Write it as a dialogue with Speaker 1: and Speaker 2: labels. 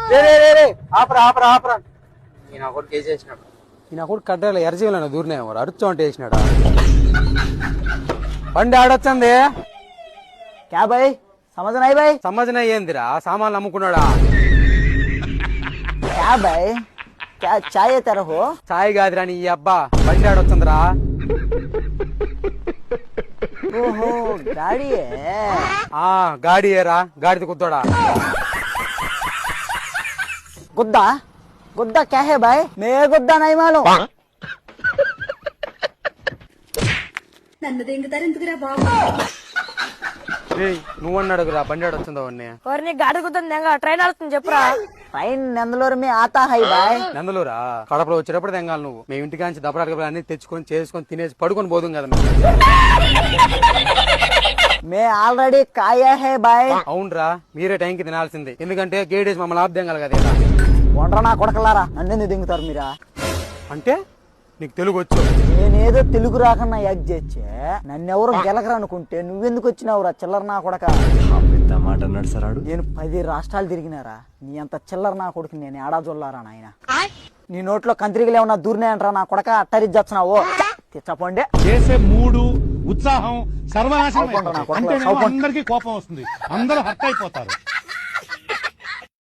Speaker 1: ఆపరా ఆపరా ఆపరా ఈయన కొడుకు వేసేసినాడు. ఈయన కొడుకు కట్టాల ఎర్రజీవులను దూరినేమో అరుచు అంటే వేసినాడా. బండి ఆడొచ్చంది.
Speaker 2: క్యా భాయ్ సమझ नहीं भाई
Speaker 1: సమझ ఏందిరా సామాన్లు అమ్ముకున్నాడా.
Speaker 2: क्या भाई क्या चाय तेरा हो
Speaker 1: చాయ్ కాదురా నీ అబ్బా బండి ఆడొచ్చందిరా.
Speaker 2: ओहो गाड़ी है
Speaker 1: ఆ గాడి ఏరా గాడిది కుద్దోడా.
Speaker 2: गुद्दा गुद्दा क्या है भाई मैं गुद्दा नहीं मालूम
Speaker 3: నన్ను దింగుతారు ఎందుకురా బాబు.
Speaker 1: నువ్వన్నాడురా బండి ఆడొచ్చిందో అన్నీ.
Speaker 4: ఎవరిని గాడి కుదురుతుంది ట్రైన్ ఆడుతుంది చెప్పురా.
Speaker 2: ट्रेन नंदलोर में आता है भाई
Speaker 1: నందులురా కడపలో వచ్చేటప్పుడు తెంగాలి నువ్వు. మేము ఇంటికాంచి దప్పడాక అన్ని తెచ్చుకొని చేసుకొని తినేసి పడుకొని పోదుం కదా మేము.
Speaker 2: मैं ऑलरेडी खाया है भाई
Speaker 1: అవునరా మీరే టైంకి తినాల్సింది. ఎందుకంటే గేడేసి మమ్మల్ని ఆపుదేంగాలి కదా ఇలా.
Speaker 2: వండ్రా నా కొడకలారా నన్నెందుకు దింగుతారు మీరా.
Speaker 1: అంటే నీకు తెలుగు వచ్చు.
Speaker 2: నేనేదో తెలుగు రాకన్నా యాక్ చేచ్చే నన్నెవరు గెలకరు అనుకుంటే నువ్వెందుకు వచ్చినావురా చిల్లర నా కొడక.
Speaker 5: మాట అన్నాడు సార్ ఆడు.
Speaker 2: నేను 10 రాష్ట్రాలు తిరిగినారా నీ అంత చిల్లర నా కొడుకు నేను ఏడా జొల్లారా నాయన. నీ నోట్లో కంత్రికలు ఏమన్నా దూరినాయంటరా నా కొడక అట్టరిచ్చొచ్చినావు తెచ్చపోండి.
Speaker 6: చేసే మూడు ఉత్సాహం సర్వనాశనం
Speaker 2: అవుకుంటా నా
Speaker 6: అయిపోతాయి.
Speaker 2: కొడకలా,
Speaker 6: అంటే
Speaker 2: అవుకుంటా.
Speaker 6: అందరికీ కోపం వస్తుంది, అందరూ హర్ట్ అయిపోతారు.